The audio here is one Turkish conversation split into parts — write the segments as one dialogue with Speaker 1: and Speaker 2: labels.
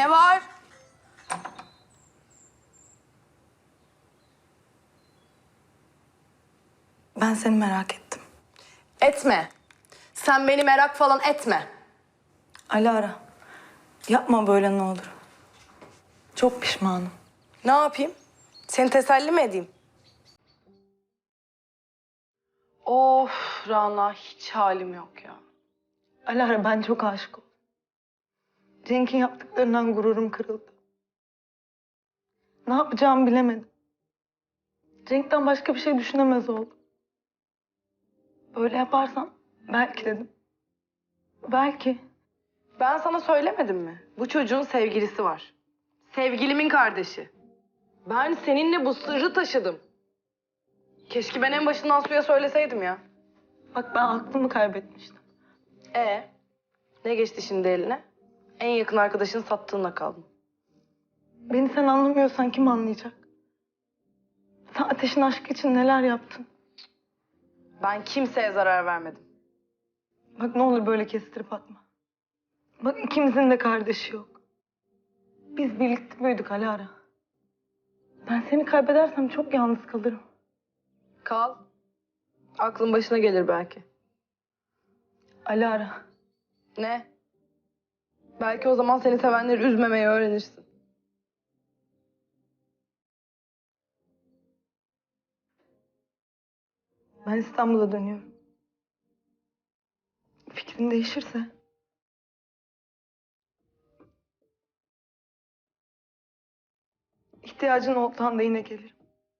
Speaker 1: Ne var?
Speaker 2: Ben seni merak ettim.
Speaker 1: Etme. Sen beni merak falan etme.
Speaker 2: Alara, yapma böyle ne olur. Çok pişmanım.
Speaker 1: Ne yapayım? Seni teselli mi edeyim? Of Rana, hiç halim yok ya.
Speaker 2: Alara, ben çok aşık oldum. Cenk'in yaptıklarından gururum kırıldı. Ne yapacağımı bilemedim. Cenk'ten başka bir şey düşünemez oldum. Böyle yaparsam belki dedim. Belki.
Speaker 1: Ben sana söylemedim mi? Bu çocuğun sevgilisi var. Sevgilimin kardeşi. Ben seninle bu sırrı taşıdım. Keşke ben en başından suya söyleseydim ya.
Speaker 2: Bak, ben aklımı kaybetmiştim.
Speaker 1: Ne geçti şimdi eline? En yakın arkadaşını sattığınla kaldın.
Speaker 2: Beni sen anlamıyorsan kim anlayacak? Sen Ateş'in aşkı için neler yaptın?
Speaker 1: Ben kimseye zarar vermedim.
Speaker 2: Bak, ne olur böyle kestirip atma. Bak, ikimizin de kardeşi yok. Biz birlikte büyüdük Alara. Ben seni kaybedersem çok yalnız kalırım.
Speaker 1: Kal. Aklın başına gelir belki.
Speaker 2: Alara.
Speaker 1: Ne? Belki o zaman seni sevenleri üzmemeyi öğrenirsin.
Speaker 2: Ben İstanbul'a dönüyorum. Fikrin değişirse... ihtiyacın olduğunda yine gelirim.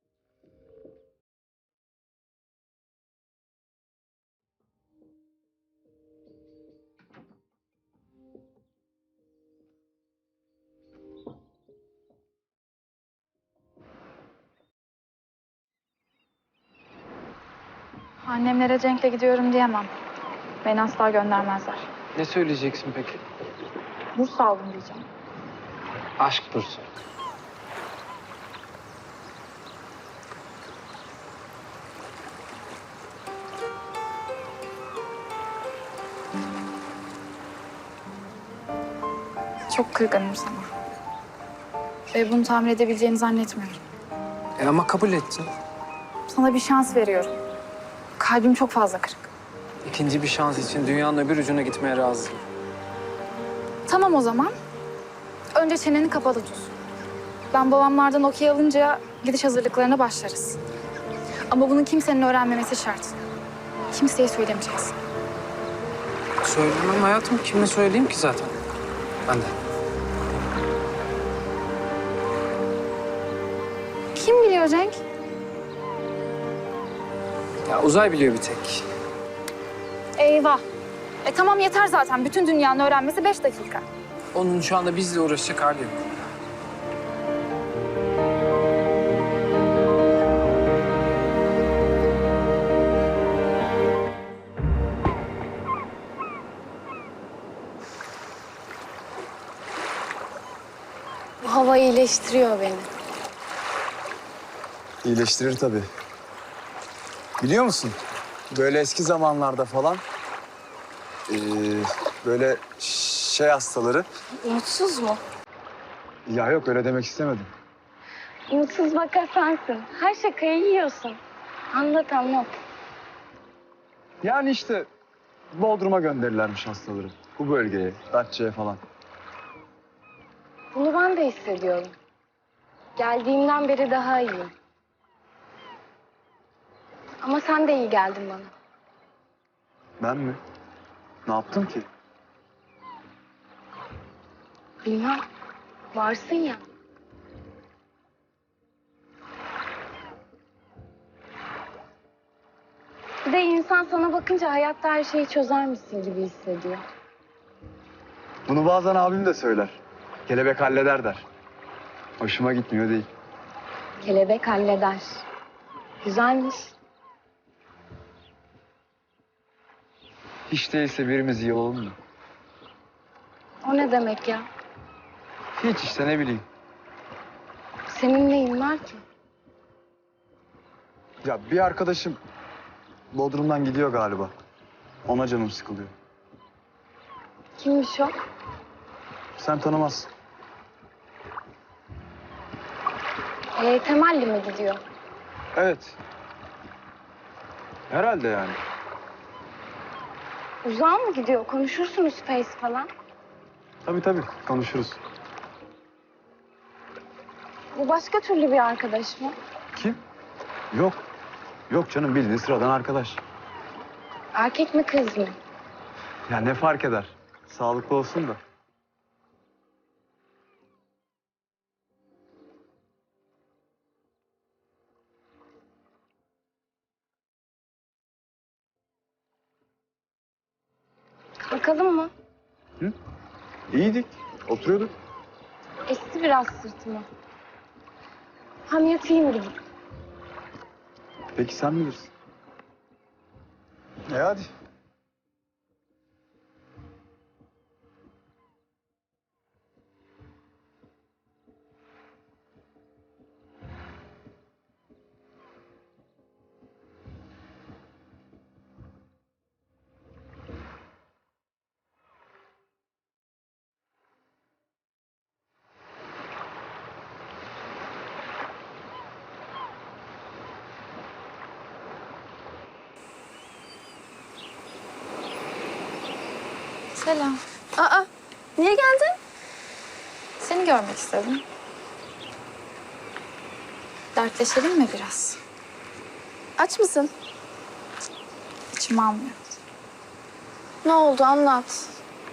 Speaker 3: Annemlere Cenk'le gidiyorum diyemem. Beni asla göndermezler.
Speaker 4: Ne söyleyeceksin peki?
Speaker 3: Burs aldım diyeceğim.
Speaker 4: Aşk bursu.
Speaker 3: Çok kırgınım sana. Ve bunu tamir edebileceğini zannetmiyorum.
Speaker 4: Ama kabul ettin.
Speaker 3: Sana bir şans veriyorum. Kalbim çok fazla kırık.
Speaker 4: İkinci bir şans için dünyanın öbür ucuna gitmeye razıyım.
Speaker 3: Tamam o zaman. Önce çeneni kapalı tut. Ben babamlardan okey alınca gidiş hazırlıklarına başlarız. Ama bunu kimsenin öğrenmemesi şart. Kimseye söylemeyeceksin.
Speaker 4: Söylemem hayatım. Kime söyleyeyim ki zaten? Ben de.
Speaker 3: Kim biliyor Cenk?
Speaker 4: Ya Uzay biliyor bir tek.
Speaker 3: Eyvah. Tamam yeter zaten. Bütün dünyanın öğrenmesi 5 dakika.
Speaker 4: Onun şu anda bizle uğraşacak hali yok.
Speaker 5: Bu hava iyileştiriyor beni.
Speaker 6: İyileştirir tabii. Biliyor musun? Böyle eski zamanlarda falan eee, böyle şey hastaları...
Speaker 5: Mutsuz mu?
Speaker 6: Ya yok, öyle demek istemedim.
Speaker 5: Mutsuz vaka sensin. Her şakayı yiyorsun. Anlat anlat.
Speaker 6: Yani işte Bodrum'a gönderirlermiş hastaları. Bu bölgeye, Datça'ya falan.
Speaker 5: Bunu ben de hissediyorum. Geldiğimden beri daha iyiyim. Ama sen de iyi geldin bana.
Speaker 6: Ben mi? Ne yaptım ki?
Speaker 5: Bilmem. Varsın ya. Bir de insan sana bakınca hayatta her şeyi çözermişsin gibi hissediyor.
Speaker 6: Bunu bazen abim de söyler. Kelebek halleder der. Hoşuma gitmiyor değil.
Speaker 5: Kelebek halleder. Güzelmiş.
Speaker 6: Hiç değilse birimiz iyi olalım mı?
Speaker 5: O ne demek ya?
Speaker 6: Hiç işte, ne bileyim.
Speaker 5: Senin neyin var ki?
Speaker 6: Ya bir arkadaşım Bodrum'dan gidiyor galiba. Ona canım sıkılıyor.
Speaker 5: Kimmiş o?
Speaker 6: Sen tanımazsın.
Speaker 5: Temelli mi gidiyor?
Speaker 6: Evet. Herhalde yani.
Speaker 5: Uzağa mı gidiyor? Konuşursunuz Face falan.
Speaker 6: Tabii konuşuruz.
Speaker 5: Bu başka türlü bir arkadaş mı?
Speaker 6: Kim? Yok. Yok canım, bildiğin sıradan arkadaş.
Speaker 5: Erkek mi kız mı?
Speaker 6: Ya ne fark eder? Sağlıklı olsun da.
Speaker 5: Kalkalım mı?
Speaker 6: İyiydik. Oturuyorduk.
Speaker 5: Esti biraz sırtıma. Hem yatayım gidip.
Speaker 6: Peki sen bilirsin. Hadi.
Speaker 3: Selam.
Speaker 5: Aa, niye geldin?
Speaker 3: Seni görmek istedim. Dertleşelim mi biraz?
Speaker 5: Aç mısın?
Speaker 3: İçim almıyor.
Speaker 5: Ne oldu anlat.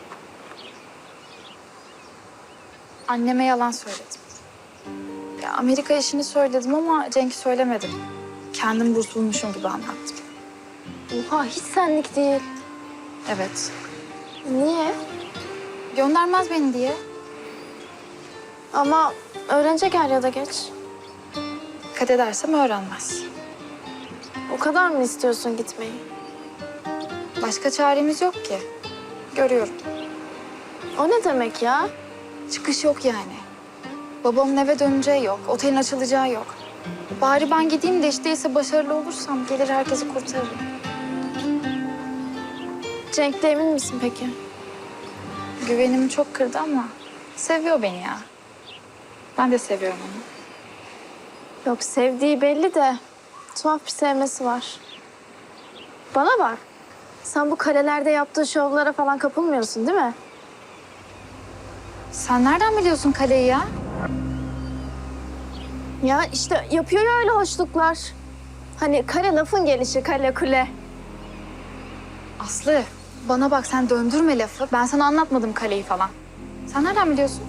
Speaker 3: Anneme yalan söyledim. Ya Amerika işini söyledim ama Cenk'i söylemedim. Kendim burs bulmuşum gibi anlattım.
Speaker 5: Oha hiç senlik değil.
Speaker 3: Evet.
Speaker 5: Niye?
Speaker 3: Göndermez beni diye.
Speaker 5: Ama öğrenecek er ya da geç.
Speaker 3: Dikkat edersem öğrenmez.
Speaker 5: O kadar mı istiyorsun gitmeyi?
Speaker 3: Başka çaremiz yok ki. Görüyorum.
Speaker 5: O ne demek ya?
Speaker 3: Çıkış yok yani. Babamın eve döneceği yok. Otelin açılacağı yok. Bari ben gideyim de işte ise başarılı olursam gelir herkesi kurtarırım.
Speaker 5: Cenk'le emin misin peki?
Speaker 3: Güvenimi çok kırdı ama seviyor beni ya. Ben de seviyorum onu.
Speaker 5: Yok sevdiği belli de tuhaf bir sevmesi var. Bana bak. Sen bu kalelerde yaptığı şovlara falan kapılmıyorsun değil mi?
Speaker 3: Sen nereden biliyorsun kaleyi ya?
Speaker 5: Ya işte yapıyor ya öyle hoşluklar. Hani kale lafın gelişi, kale kule.
Speaker 3: Aslı bana bak sen döndürme lafı. Ben sana anlatmadım kaleyi falan. Sen nereden biliyorsun?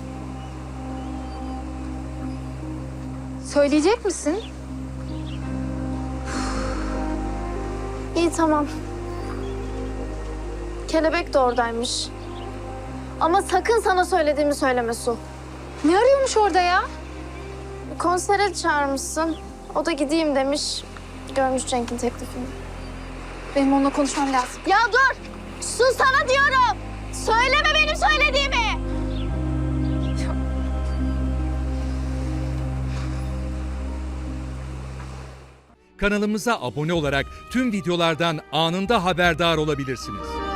Speaker 3: Söyleyecek misin?
Speaker 5: İyi tamam. Kelebek de oradaymış. Ama sakın sana söylediğimi söyleme Su.
Speaker 3: Ne arıyormuş orada ya?
Speaker 5: Konsere çağırmışsın. O da gideyim demiş. Görmüş Cenk'in teklifini.
Speaker 3: Benim onunla konuşmam lazım.
Speaker 5: Ya dur! Su sana diyorum! Söyleme benim söylediğimi!
Speaker 7: Kanalımıza abone olarak tüm videolardan anında haberdar olabilirsiniz.